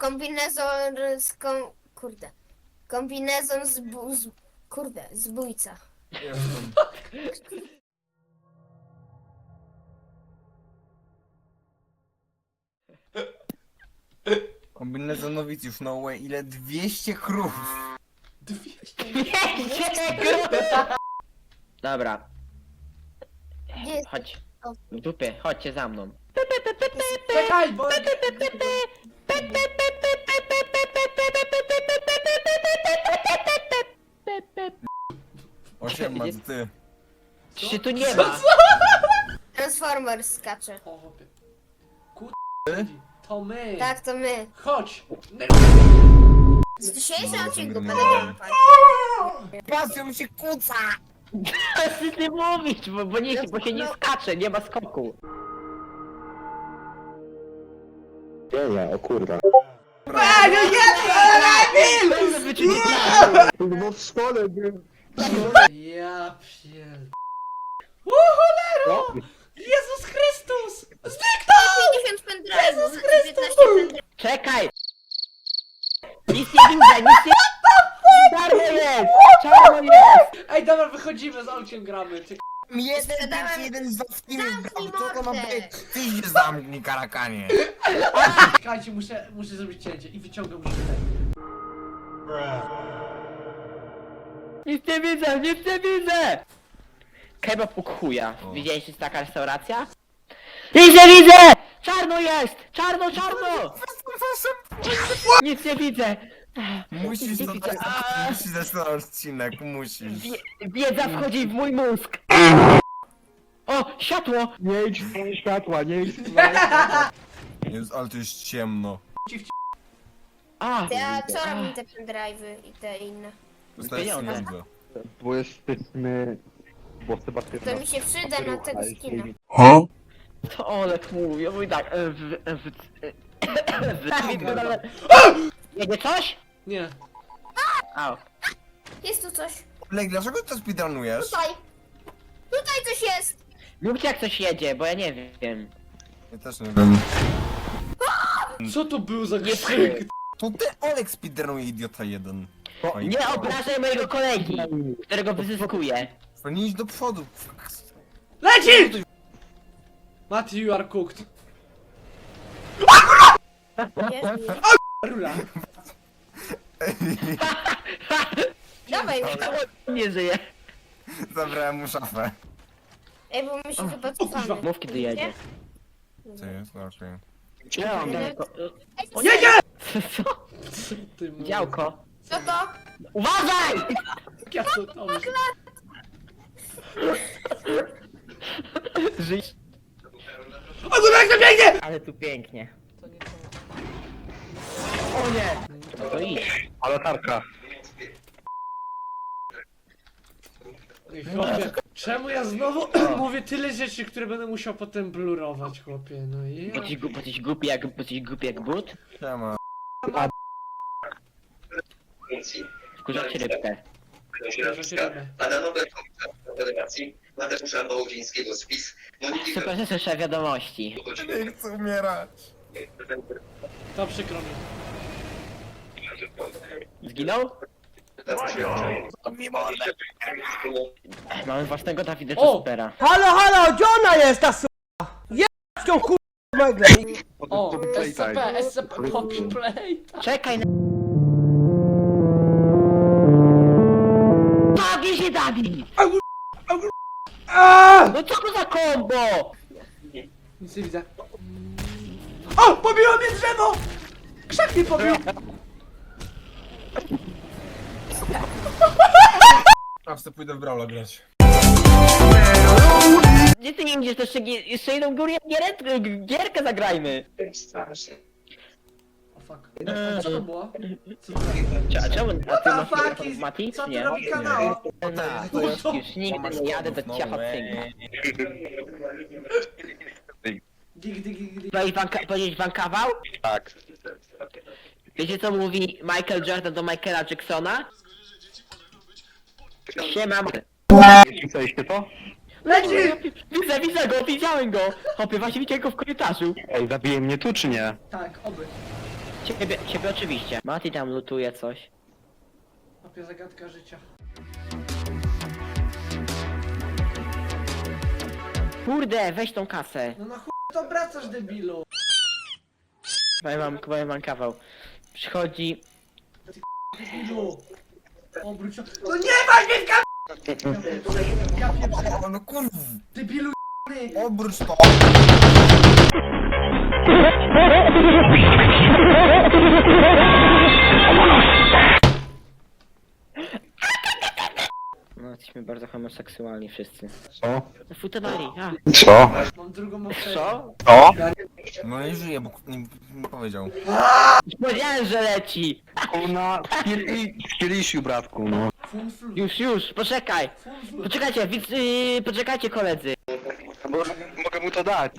Kombinezon z kurde. Kombinezon kurde, zbójca. Jestem. Kombinezonowicz już no way, ile 200 krów! 200. Dobra, Gdzie jest? chodź. W dupie, chodźcie za mną. Czekaj, bo... Osiem ma ty. Czy tu nie ma? Transformer skacze. O, chłopie. To my. Tak, to my. Chodź. Z dzisiejszym odcinku będę grał. Pasją się kłóca! Nic nie mówić, bo się nie skacze, nie ma skoku. Nie, o kurwa. Bo w szkole był. Ja pier... No? Jezus Chrystus! 50 pendrive'ów, 15 pendrive'ów. Czekaj! Nic nie widzę, nic nie... Czarno jest! Czarno jest! Ej, dobra, wychodzimy, z Olkiem gramy. Jeden z was nie Zamknij wybrał, co to ma mordę. być? Ty się zamknij, karakanie! Czekajcie, muszę zrobić cięcie i wyciągam żywę. Nic nie widzę, nic nie widzę! Kebab u chuja. Widziałeś, że jest taka restauracja? Nic nie widzę! Czarno jest! Czarno, czarno! Nic nie widzę! Musisz Nic nie to widzę. musisz zacząć ten odcinek, musisz. Wiedza wchodzi w mój mózg! O, światło! Nie idź w stronę światła, nie idź w stronę światła. Jezus, ale to jest ciemno. A! Ja co robię te pendrive'y i te inne? Dostajesz Pieniądze. pieniądze. Bo jesteśmy... Bo Sebastian... To mi się przyda na tego skina. To Olek mówi, ja mówię tak... Jedzie coś? Nie. Au. Jest tu coś. Lek, dlaczego to speedrunujesz? Tutaj. Tutaj coś jest. Mówcie jak coś jedzie, bo ja nie wiem. Ja też nie wiem. Co to był za Nie krzyk? To ty, Olek speedrunuje, idiota jeden. Oj, Nie obrażaj mojego kolegi, którego wyzyskuję. Nie idź do przodu. Leci! Mati, you are cooked. Jest. Rula. Dawaj. Nie żyje. Zabrałem mu szafę. Ej, bo my się chyba cofamy. Mów kiedy jedzie. Co jest? No, okej. Gdzie on? O Nie, nie! Co? Ty mówisz. Działko. Co to? Uważaj! Ja co to myślę? Żyj. O, to jak to biegnie! Ale tu pięknie. O nie! No to idź. A latarka. Ej, chłopie, czemu ja znowu mówię tyle rzeczy, które będę musiał potem blurować, chłopie, no i... Bo jesteś głupi jak but? Siema. Wkurzacie rybkę. A na nowe Federacji Mateusza Wołodzińskiego spis Moniki Super, że słyszę wiadomości. Nie chcę umierać. To przykro mi. Zginął? Mamy własnego Dawida O! Supera. Halo, halo, gdzie ona jest ta s***a? Jest tą kur... megle. O, Playtime. SCP, Poppy Play. Czekaj na... Nogi się Dawid! No co to za kombo? Nic nie widzę. O, pobiło mnie drzewo! Krzak mnie pobił! A chcę pójdę w Brawla grać. Gdzie ty nie idziesz, to jeszcze jedną gierkę zagrajmy. O fuck. A co to było? Co to A czemu? A ty What the masz fuck is- Mati? co ty Nie. robi kanał? Już nigdy nie jadę do ciacha cynga. Dig. Powiedzieć wam kawał? Tak. Wiecie co mówi Michael Jordan do Michaela Jacksona? Siema. Pisaliście to? Leci! Widzę go, widziałem go! Hopie, właśnie widziałem go w korytarzu. Ej, zabije mnie tu czy nie? Tak, oby. Ciebie oczywiście. Mati tam lutuje coś. Chłopie, zagadka życia. Kurde, weź tą kasę. No na chuj to wracasz, debilu. Powiem wam kawał. Przychodzi... Debilu. Obróć się. No nie masz mnie w kam... Ja pierdolę. O, no kurw! Debilu jebany. Obróć to! No, jesteśmy bardzo homoseksualni wszyscy. Co? Futebali, a. Co? Mam drugą ofertę. Co? Co? No nie żyje, bo nie powiedział. Powiedziałem, że leci! Kurna, w kielisiu, bratku, no. Funflu. Już, poczekaj! Funflu. Poczekajcie, poczekajcie koledzy. Bo mogę mu to dać.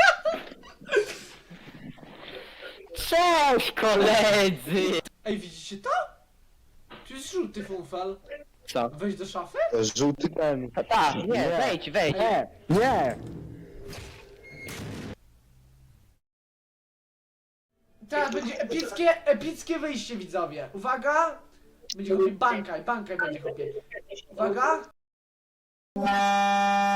Cześć koledzy! Ej, widzicie to? Tu jest żółty funfal. Co? Wejdź do szafy? Żółty ten. Tak, nie, wejdź. Nie! Teraz będzie epickie wyjście, widzowie. Uwaga! Będzie chłopie bankaj będzie chłopie. Uwaga!